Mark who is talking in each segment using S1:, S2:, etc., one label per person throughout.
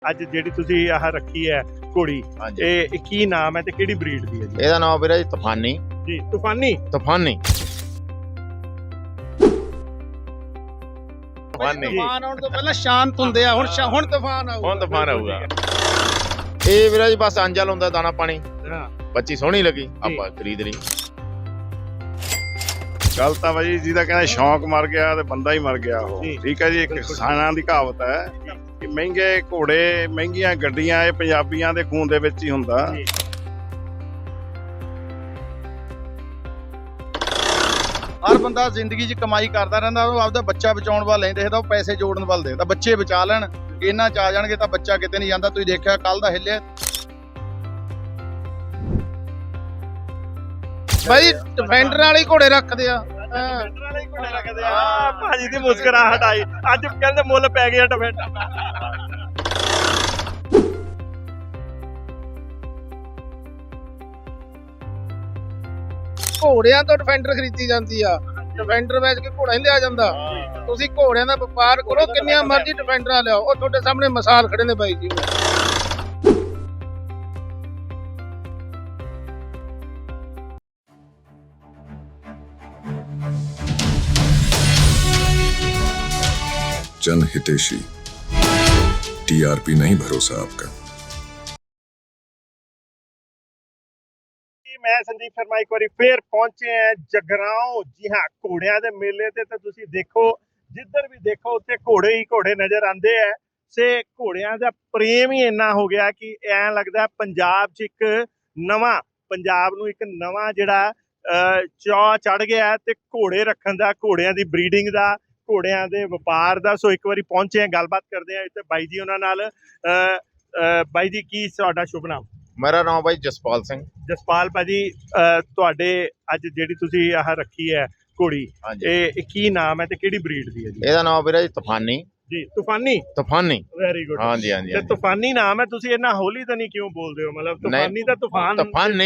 S1: ਅੱਜ ਜਿਹੜੀ ਤੁਸੀਂ ਆਹ ਰੱਖੀ ਹੈ ਘੋੜੀ, ਇਹ ਕੀ ਨਾਮ ਹੈ ਤੇ ਕਿਹੜੀ ਬਰੀਡ ਦੀ ਹੈ ਜੀ?
S2: ਇਹਦਾ ਨਾਮ ਵੀਰਾ ਜੀ ਤੂਫਾਨੀ
S1: ਜੀ ਤੂਫਾਨੀ।
S2: ਤੂਫਾਨੀ
S3: ਤੂਫਾਨ ਆਉਣ ਤੋਂ ਪਹਿਲਾਂ ਸ਼ਾਂਤ ਹੁੰਦੇ ਆ, ਹੁਣ ਤੂਫਾਨ ਆਊਗਾ।
S2: ਹੁਣ ਤੂਫਾਨ ਆਊਗਾ। ਇਹ ਵੀਰਾ ਜੀ ਬਸ ਅੰਜਲ ਹੁੰਦਾ ਦਾਣਾ ਪਾਣੀ। ਬੱਚੀ ਸੋਹਣੀ ਲੱਗੀ ਆਪਾਂ ਖਰੀਦ ਲਈ।
S4: ਗੱਲ ਤਾਂ ਭਾਜੀ ਜਿਹਦਾ ਕਹਿੰਦਾ ਸ਼ੌਂਕ ਮਰ ਗਿਆ ਤੇ ਬੰਦਾ ਹੀ ਮਰ ਗਿਆ ਉਹ। ਠੀਕ ਹੈ ਜੀ, ਇੱਕ ਕਿਸਾਨਾਂ ਦੀ ਕਹਾਵਤ ਹੈ ਕਿ ਮਹਿੰਗੇ ਘੋੜੇ ਮਹਿੰਗੀਆਂ ਗੱਡੀਆਂ ਇਹ ਪੰਜਾਬੀਆਂ ਦੇ ਖੂਨ ਦੇ ਵਿੱਚ ਹੀ ਹੁੰਦਾ।
S3: ਹਰ ਬੰਦਾ ਜ਼ਿੰਦਗੀ 'ਚ ਕਮਾਈ ਕਰਦਾ ਰਹਿੰਦਾ, ਉਹ ਆਪਦਾ ਬੱਚਾ ਬਚਾਉਣ ਵੱਲ ਨਹੀਂ ਦੇਖਦਾ, ਉਹ ਪੈਸੇ ਜੋੜਨ ਵੱਲ ਦੇਖਦਾ। ਬੱਚੇ ਬਚਾ ਲੈਣ, ਇਹਨਾਂ 'ਚ ਆ ਜਾਣਗੇ ਤਾਂ ਬੱਚਾ ਕਿਤੇ ਨਹੀਂ ਜਾਂਦਾ। ਤੁਸੀਂ ਦੇਖਿਆ ਕੱਲ ਦਾ ਹਿੱਲਿਆ ਬਾਈ, ਡਿਫੈਂਡਰ ਵਾਲੇ ਘੋੜੇ ਰੱਖਦੇ ਆ।
S1: ਭਾਜੀ ਦੀ ਮੁਸਕਰਾਹਟ ਆਈ, ਅੱਜ ਕਹਿੰਦੇ ਮੁੱਲ ਪੈ ਗਿਆ ਡਿਫੈਂਡਰ।
S3: ਘੋੜਿਆਂ ਤੋਂ ਡਿਫੈਂਡਰ ਖਰੀਦੀ ਜਾਂਦੀ ਆ। ਡਿਫੈਂਡਰ ਵੇਚ ਕੇ ਘੋੜਾ ਨਹੀਂ ਲਿਆ ਜਾਂਦਾ। ਤੁਸੀਂ ਘੋੜਿਆਂ ਦਾ ਵਪਾਰ ਕਰੋ, ਕਿੰਨੀਆਂ ਮਰਜ਼ੀ ਡਿਫੈਂਡਰਾਂ ਲਿਆਓ। ਉਹ ਤੁਹਾਡੇ ਸਾਹਮਣੇ ਮਿਸਾਲ ਖੜੇ ਨੇ ਬਾਈ ਜੀ।
S5: जन हितेशी, टीआरपी नहीं भरोसा आपका।
S1: मैं संदीप शर्मा एक बार फिर पहुंचे हैं जगराओं। जी हाँ, घोड़िया के मेले ते तो तुसी देखो, जिधर भी देखो उत्थे घोड़े ही घोड़े नजर आते हैं। से घोड़िया का प्रेम ही इन्ना हो गया कि ऐ लगता है पंजाब च एक नवा पंजाब नूं एक नवा जिहड़ा चाह चढ़ गया है ते घोड़े रखण दा, घोड़िया की ब्रीडिंग का, घोड़िया के व्यापार का। सो एक बार पहुंचे हैं, गलबात करते हैं इत्थे बाई जी उन्हां नाल। बाई जी की तुहाडा शुभ नाम?
S2: मेरा नाम भाई जसपाल सिंह।
S1: जसपाल भाजी, तुहाडे अज जिहड़ी तुसीं आह रखी है घोड़ी, ਇਹ ਕੀ ਨਾਮ ਹੈ ਤੇ ਕਿਹੜੀ ਬਰੀਡ ਦੀ ਹੈ ਜੀ?
S2: ਇਹਦਾ ਨਾਮ ਵੀਰਾ ਜੀ ਤੂਫਾਨੀ।
S1: ਜੀ ਤੂਫਾਨੀ।
S2: ਤੂਫਾਨੀ
S1: ਵੈਰੀ ਗੁੱਡ।
S2: ਹਾਂਜੀ ਹਾਂਜੀ।
S1: ਤੇ ਤੂਫਾਨੀ ਨਾਮ ਹੈ, ਤੁਸੀਂ ਇਹਨਾਂ ਹੌਲੀ ਤਾਂ ਨਹੀਂ ਕਿਉਂ ਬੋਲਦੇ ਹੋ? ਮਤਲਬ ਤੂਫਾਨੀ ਤਾਂ ਤੂਫਾਨ।
S2: ਤੂਫਾਨੀ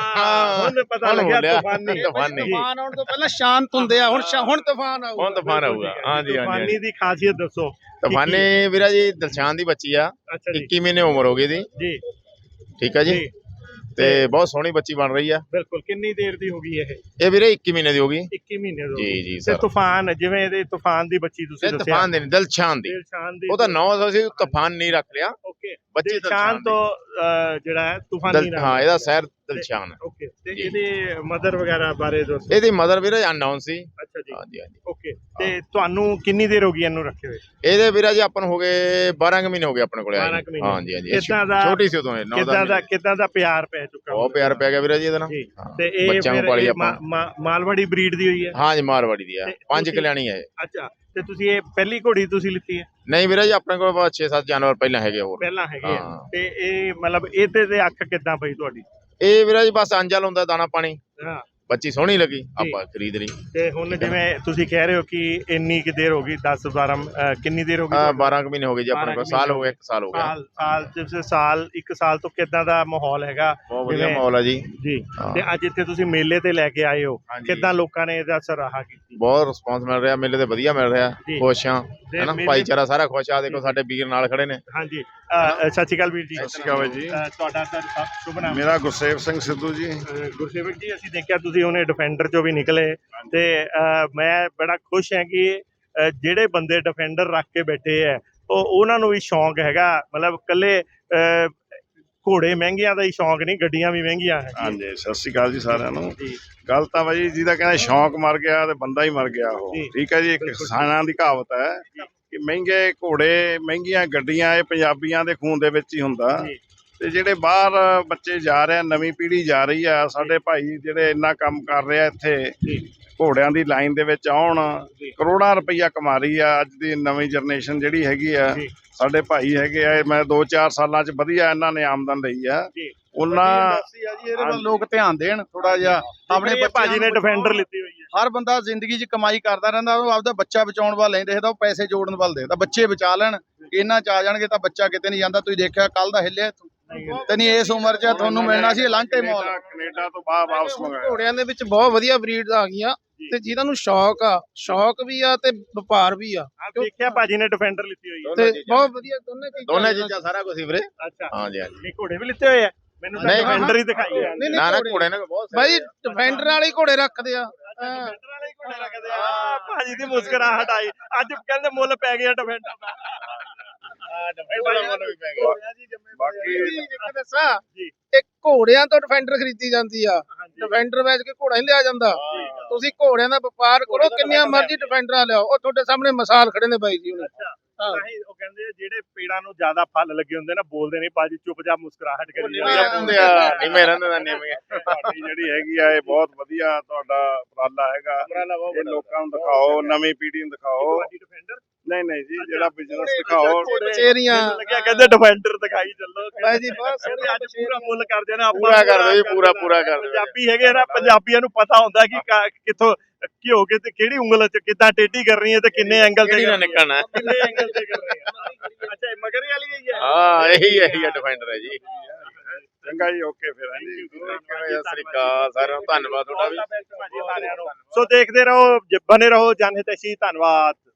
S1: ਹੁਣ ਪਤਾ ਲੱਗਿਆ ਤੂਫਾਨੀ।
S3: ਤੂਫਾਨ ਆਉਣ ਤੋਂ ਪਹਿਲਾਂ ਸ਼ਾਂਤ ਹੁੰਦੇ ਆ, ਹੁਣ ਤੂਫਾਨ ਆਊਗਾ।
S2: ਹੁਣ ਤੂਫਾਨ ਆਊਗਾ। ਹਾਂਜੀ ਹਾਂਜੀ।
S1: ਤੂਫਾਨੀ ਦੀ ਖਾਸੀਅਤ ਦੱਸੋ।
S2: ਤੂਫਾਨੀ ਵੀਰਾ ਜੀ ਦਿਲਸ਼ਾਨ ਦੀ ਬੱਚੀ ਆ। 21 ਮਹੀਨੇ ਉਮਰ ਹੋ ਗਈ ਦੀ
S1: ਜੀ।
S2: ਠੀਕ ਹੈ ਜੀ, ਤੇ ਬਹੁਤ ਸੋਹਣੀ ਬੱਚੀ ਬਣ ਰਹੀ ਆ।
S1: ਬਿਲਕੁਲ। ਕਿੰਨੀ ਦੇਰ ਦੀ ਹੋ ਗਈ
S2: ਇਹ ਵੀਰੇ 21 ਮਹੀਨੇ ਦੀ ਹੋ ਗਈ।
S1: 21 ਮਹੀਨੇ ਦੀ।
S2: ਜੀ ਜੀ
S1: ਤੇ
S2: ਸਰ।
S1: ਤੂਫਾਨ ਜਿਵੇਂ ਇਹਦੇ ਤੂਫਾਨ ਦੀ ਬੱਚੀ ਤੁਸੀਂ ਦੱਸਿਆ,
S2: ਤੂਫਾਨ ਦੀ ਦਿਲਸ਼ਾਨ ਦੀ, ਉਹਦਾ ਨਾਮ ਅਸੀਂ ਤੂਫਾਨ ਨਹੀਂ ਰੱਖ ਲਿਆ।
S1: ਓਕੇ।
S2: ਬੱਚੀ
S1: ਦਿਲਸ਼ਾਨ ਤੋਂ ਜਿਹੜਾ ਹੈ ਤੂਫਾਨੀ ਨਾਮ।
S2: ਹਾਂ, ਇਹਦਾ ਸ਼ਹਿਰ ਦਿਲਸ਼ਾਨ ਹੈ।
S1: ਓਕੇ। ਤੇ ਇਹਦੇ ਮਦਰ ਵਗੈਰਾ ਬਾਰੇ ਦੱਸੋ।
S2: ਇਹਦੀ ਮਦਰ ਵੀਰੇ ਅਨਨੋਨ ਸੀ।
S1: ਅੱਛਾ ਜੀ।
S2: ਹਾਂਜੀ ਹਾਂਜੀ।
S1: ਓਕੇ। ਤੇ ਤੁਹਾਨੂੰ ਕਿੰਨੀ ਦੇਰ ਹੋ ਗਈ ਇਹਨੂੰ ਰੱਖੇ ਹੋਏ?
S2: ਇਹਦੇ ਵੀਰਾ ਜੀ ਆਪਾਂ ਨੂੰ ਹੋ ਗਏ 12 ਮਹੀਨੇ ਹੋ ਗਏ ਆਪਣੇ ਕੋਲੇ।
S1: 12 ਮਹੀਨੇ।
S2: ਹਾਂਜੀ ਹਾਂਜੀ।
S1: ਕਿੱਦਾਂ ਦਾ
S2: ਛੋਟੀ ਸੀ ਉਦੋਂ।
S1: ਕਿੱਦਾਂ ਦਾ ਪਿਆਰ ਪੈ ਚੁੱਕਾ?
S2: ਬਹੁਤ ਪਿਆਰ ਪੈ ਗਿਆ ਵੀਰਾ ਜੀ ਇਹਦੇ ਨਾਲ।
S1: ਤੇ ਇਹ ਫਿਰ ਮਾਲਵਾੜੀ ਬਰੀਡ ਦੀ ਹੋਈ ਹੈ?
S2: ਹਾਂਜੀ, ਮਾਰਵਾੜੀ ਦੀ ਆ। 5 ਕਲਿਆਣੀ ਹੈ।
S1: ਅੱਛਾ। ਤੇ ਤੁਸੀਂ ਇਹ ਪਹਿਲੀ ਘੋੜੀ ਤੁਸੀਂ ਲਿੱਤੀ ਹੈ?
S2: ਨਹੀਂ ਵੀਰਾ ਜੀ, ਆਪਣੇ ਕੋਲ 6-7 ਜਾਨਵਰ ਪਹਿਲਾਂ ਹੈਗੇ ਹੋਰ।
S1: ਪਹਿਲਾਂ ਹੈਗੇ ਆ। ਤੇ ਇਹ ਮਤਲਬ ਇਹਦੇ ਤੇ ਅੱਖ ਕਿੱਦਾਂ ਪਈ ਤੁਹਾਡੀ?
S2: ਇਹ ਵੀਰਾ ਜੀ ਬਸ ਅੰਜਲ ਹੁੰਦਾ ਦਾਣਾ ਪਾਣੀ।
S1: ਹਾਂ।
S2: ਬੱਚੀ ਸੋਹਣੀ ਲੱਗੀ ਆਪਾਂ ਖਰੀਦ ਲਈ।
S1: ਤੇ ਹੁਣ ਜਿਵੇਂ ਤੁਸੀਂ ਕਹਿ ਰਹੇ ਹੋ ਕਿ ਇੰਨੀ ਕਿ ਦੇਰ ਹੋ ਗਈ, 10-12 ਕਿੰਨੀ ਦੇਰ ਹੋ ਗਈ?
S2: 12 ਮਹੀਨੇ ਹੋ ਗਏ ਜੀ ਆਪਣੇ ਕੋਲ। ਸਾਲ ਹੋ ਗਿਆ, 1 ਸਾਲ ਹੋ ਗਿਆ।
S1: ਸਾਲ 1 ਸਾਲ ਤੋਂ ਕਿੱਦਾਂ ਦਾ ਮਾਹੌਲ ਹੈਗਾ?
S2: ਬਹੁਤ ਵਧੀਆ ਮਾਹੌਲ ਹੈ ਜੀ।
S1: ਜੀ। ਤੇ ਅੱਜ ਇੱਥੇ ਤੁਸੀਂ ਮੇਲੇ ਤੇ ਲੈ ਕੇ ਆਏ ਹੋ, ਕਿੱਦਾਂ ਲੋਕਾਂ ਨੇ ਇਹਦਾ ਸਰਾਹਾ ਕੀਤੀ?
S2: ਬਹੁਤ ਰਿਸਪੌਂਸ ਮਿਲ ਰਿਹਾ, ਮੇਲੇ ਤੇ ਵਧੀਆ ਮਿਲ ਰਿਹਾ। ਖੁਸ਼ ਆ, ਹੈਨਾ, ਭਾਈਚਾਰਾ ਸਾਰਾ ਖੁਸ਼ ਆ। ਦੇਖੋ ਸਾਡੇ ਵੀਰ ਨਾਲ ਖੜੇ ਨੇ।
S1: ਹਾਂਜੀ। ਸਤਿ ਸ਼੍ਰੀ ਅਕਾਲ ਵੀਰ ਜੀ।
S4: ਸਤਿ ਸ਼੍ਰੀ ਅਕਾਲ ਜੀ।
S1: ਤੁਹਾਡਾ ਸ਼ੁਭ ਨਾਮ?
S4: ਮੇਰਾ ਗੁਰਸੇਵਕ ਸਿੰਘ ਸਿੱਧੂ ਜੀ।
S1: ਗੁਰਸੇਵਕ ਜੀ, ਅਸੀਂ ਦੇਖਿਆ ਤੁਸੀਂ ਉਹਨੇ ਡਿਫੈਂਡਰ ਚੋਂ ਵੀ ਨਿਕਲੇ ਤੇ ਮੈਂ ਬੜਾ ਖੁਸ਼ ਹਾਂ ਕਿ ਜਿਹੜੇ ਬੰਦੇ ਡਿਫੈਂਡਰ ਰੱਖ ਕੇ ਬੈਠੇ ਹੈ ਉਹਨਾਂ ਨੂੰ ਵੀ ਸ਼ੌਂਕ ਹੈਗਾ। ਮਤਲਬ ਇਕੱਲੇ ਘੋੜੇ ਮਹਿੰਗੀਆਂ ਦਾ ਹੀ ਸ਼ੌਂਕ ਨਹੀਂ, ਗੱਡੀਆਂ ਵੀ ਮਹਿੰਗੀਆਂ ਹੈ।
S4: ਹਾਂਜੀ, ਸਤਿ ਸ਼੍ਰੀ ਅਕਾਲ ਜੀ ਸਾਰਿਆਂ ਨੂੰ। ਗੱਲ ਤਾਂ ਭਾਜੀ ਜਿਹਦਾ ਕਹਿੰਦਾ ਸ਼ੌਂਕ ਮਰ ਗਿਆ ਤੇ ਬੰਦਾ ਹੀ ਮਰ ਗਿਆ ਉਹ। ਠੀਕ ਹੈ ਜੀ, ਇੱਕ ਕਿਸਾਨਾਂ ਦੀ ਕਹਾਵਤ ਹੈ ਕਿ ਮਹਿੰਗੇ ਘੋੜੇ ਮਹਿੰਗੀਆਂ ਗੱਡੀਆਂ ਇਹ ਪੰਜਾਬੀਆਂ ਦੇ ਖੂਨ ਦੇ ਵਿੱਚ ਹੀ ਹੁੰਦਾ। ਤੇ ਜਿਹੜੇ ਬਾਹਰ ਬੱਚੇ ਜਾ ਰਹੇ ਆ, ਨਵੀਂ ਪੀੜ੍ਹੀ ਜਾ ਰਹੀ ਆ, ਸਾਡੇ ਭਾਈ ਜਿਹੜੇ ਇੰਨਾ ਕੰਮ ਕਰ ਰਹੇ ਆ ਇੱਥੇ ਘੋੜਿਆਂ ਦੀ ਲਾਈਨ ਦੇ ਵਿੱਚ ਆਉਣ, ਕਰੋੜਾਂ ਰੁਪਈਆ ਕਮਾ ਰਹੀ ਆ। ਅੱਜ ਦੀ ਨਵੀਂ ਜਨਰੇਸ਼ਨ ਜਿਹੜੀ ਹੈਗੀ ਆ, ਸਾਡੇ ਭਾਈ ਹੈਗੇ ਆ, ਮੈਂ 2-4 ਸਾਲਾਂ 'ਚ ਵਧੀਆ ਇਹਨਾਂ ਨੇ ਆਮਦਨ ਲਈ ਆ। ਉਹਨਾਂ
S3: ਇਹਦੇ ਵੱਲ ਲੋਕ ਧਿਆਨ ਦੇਣ ਥੋੜਾ ਜਿਹਾ। ਆਪਣੇ
S1: ਭਾਜੀ ਨੇ ਡਿਫੈਂਡਰ ਲਿੱਤੀ ਹੋਈ ਹੈ।
S3: ਹਰ ਬੰਦਾ ਜ਼ਿੰਦਗੀ 'ਚ ਕਮਾਈ ਕਰਦਾ ਰਹਿੰਦਾ, ਉਹ ਆਪਦਾ ਬੱਚਾ ਬਚਾਉਣ ਵੱਲ ਨਹੀਂ ਦੇਖਦਾ, ਉਹ ਪੈਸੇ ਜੋੜਨ ਵੱਲ ਦੇਖਦਾ। ਬੱਚੇ ਬਚਾ ਲੈਣ, ਇਹਨਾਂ 'ਚ ਆ ਜਾਣਗੇ ਤਾਂ ਬੱਚਾ ਕਿਤੇ ਨਹੀਂ ਜਾਂਦਾ। ਤੁਸੀਂ ਦੇਖਿਆ ਕੱਲ ਦਾ ਹਿੱਲਿਆ ਤੇ ਨਹੀਂ, ਇਸ ਉਮਰ 'ਚ ਤੁਹਾਨੂੰ ਮਿਲਣਾ ਸੀ ਲਾਂਟੇ ਮੌਲ।
S4: ਕੈਨੇਡਾ ਤੋਂ ਬਾਹਰ ਵਾਪਸ ਮੰਗਾਇਆ।
S3: ਘੋੜਿਆਂ ਦੇ ਵਿੱਚ ਬਹੁਤ ਵਧੀਆ ਬਰੀਡ ਆ ਗਈਆਂ।
S6: ਤੇ ਜਿਨ੍ਹਾਂ ਨੂੰ ਸ਼ੌਕ ਵੀ ਆ ਤੇ ਵਪਾਰ ਵੀ ਆ
S1: ਆਪ ਦੇਖਿਆ ਭਾਜੀ ਨੇ ਡਿਫੈਂਡਰ ਲਿੱਤੀ ਹੋਈ ਹੈ।
S6: ਤੇ ਬਹੁਤ ਵਧੀਆ
S2: ਦੋਨੇ ਚੀਜ਼ਾਂ ਸਾਰਾ ਕੁਝ ਵੀਰੇ।
S1: ਅੱਛਾ
S2: ਹਾਂਜੀ ਹਾਂਜੀ।
S1: ਨਹੀਂ ਘੋੜੇ ਵੀ ਲਿੱਤੇ ਹੋਏ ਆ, ਮੈਨੂੰ ਤਾਂ
S2: ਨਹੀਂ,
S1: ਡਿਫੈਂਡਰ ਹੀ ਦਿਖਾਈ ਹੈ।
S6: ਨਹੀਂ,
S2: ਨਾ ਘੋੜੇ ਨੇ ਬਹੁਤ
S6: ਬਾਈ ਡਿਫੈਂਡਰ ਵਾਲੇ ਹੀ ਘੋੜੇ ਰੱਖਦੇ ਆ।
S1: ਡਿਫੈਂਡਰ ਵਾਲੇ ਹੀ ਘੋੜੇ ਰੱਖਦੇ ਆ। ਭਾਜੀ ਦੀ ਮੁਸਕਰਾਹਟ ਆਈ, ਅੱਜ ਕਹਿੰਦੇ ਮੁੱਲ ਪੈ ਗਿਆ ਡਿਫੈਂਡਰ ਦਾ।
S2: ਡਿਫੈਂਡਰ ਦਾ ਮੁੱਲ ਵੀ ਪੈ ਗਿਆ।
S4: ਬਾਕੀ
S6: ਇੱਕ ਦੱਸਾਂ, ਇੱਕ ਘੋੜਿਆਂ ਤੋਂ ਡਿਫੈਂਡਰ ਖਰੀਦੀ ਜਾਂਦੀ ਆ, ਡਿਫੈਂਡਰ ਵੇਚ ਕੇ ਘੋੜਾ ਨਹੀਂ ਲਿਆ ਜਾਂਦਾ। ਤੁਸੀਂ ਘੋੜਿਆਂ ਦਾ ਵਪਾਰ ਕਰੋ, ਕਿੰਨੀਆਂ ਮਰਜ਼ੀ ਡਿਫੈਂਡਰਾਂ ਲਿਆਓ। ਉਹ ਤੁਹਾਡੇ ਸਾਹਮਣੇ ਮਿਸਾਲ ਖੜੇ ਨੇ ਬਾਈ ਜੀ।
S1: ਨਹੀਂ ਉਹ ਕਹਿੰਦੇ ਜਿਹੜੇ ਪੇੜਾਂ ਨੂੰ ਜ਼ਿਆਦਾ ਫਲ ਲੱਗੇ ਹੁੰਦੇ ਨਾ ਬੋਲਦੇ ਨਹੀਂ, ਭਾਜੀ ਚੁੱਪਚਾਪ ਮੁਸਕਰਾਹਟ ਕਰੀ
S2: ਨਿਵੇਂ ਰਹਿੰਦੇ ਆ, ਨਿਵੇਂ ਰਹਿੰਦੇ ਦਾ ਨਿਵੇਂ।
S4: ਤੁਹਾਡੀ ਜਿਹੜੀ ਹੈਗੀ ਆ ਇਹ ਬਹੁਤ ਵਧੀਆ ਤੁਹਾਡਾ ਉਪਰਾਲਾ ਹੈਗਾ। ਇਹ ਲੋਕਾਂ ਨੂੰ ਦਿਖਾਓ, ਨਵੀਂ ਪੀੜ੍ਹੀ ਨੂੰ ਦਿਖਾਓ। ਨਹੀਂ ਜੀ, ਜਿਹੜਾ ਬਿਜ਼ਨਸ ਦਿਖਾਓ।
S6: ਕਚੇਰੀਆਂ
S1: ਲੱਗਿਆ ਕਹਿੰਦੇ ਡਿਫੈਂਡਰ ਦਿਖਾਈ ਚੱਲੋ
S6: ਬਾਈ ਜੀ, ਬਹੁਤ
S1: ਕਹਿੰਦੇ ਅੱਜ ਪੂਰਾ ਮੁੱਲ ਕਰ ਦੇਣਾ ਆਪਾਂ।
S2: ਪੂਰਾ ਕਰ ਦਿਓ ਜੀ, ਪੂਰਾ ਕਰ ਦਿਓ।
S1: ਪੰਜਾਬੀ ਹੈਗੇ ਨਾ, ਪੰਜਾਬੀਆਂ ਨੂੰ ਪਤਾ ਹੁੰਦਾ ਕਿ ਕਿੱਥੋਂ ਘਿਓ ਕੇ ਤੇ ਕਿਹੜੀ ਉਂਗਲ ਚ ਕਿੱਦਾਂ ਟੇਢੀ ਕਰਨੀ ਹੈ ਤੇ ਕਿੰਨੇ ਐਂਗਲ ਤੇ
S2: ਕਿਹੜੀ ਨਾ ਨਿਕਲਣਾ।
S1: ਕਿੰਨੇ ਐਂਗਲ ਤੇ ਕਰਨੀ ਹੈ। ਅੱਛਾ ਇਹ ਮਗਰ ਵਾਲੀ ਹੀ ਹੈ।
S2: ਹਾਂ ਇਹੀ ਹੈ ਡਿਫੈਂਡਰ ਹੈ ਜੀ।
S4: ਚੰਗਾ ਜੀ, ਓਕੇ ਫਿਰ ਹਾਂਜੀ।
S2: ਸਤਿ ਸ੍ਰੀ ਅਕਾਲ ਸਾਰਿਆਂ ਨੂੰ, ਧੰਨਵਾਦ ਤੁਹਾਡਾ ਵੀ।
S1: ਸੋ ਦੇਖਦੇ ਰਹੋ, ਬਨੇ ਰਹੋ ਜਨ ਹਿਤੈਸ਼ੀ। ਧੰਨਵਾਦ।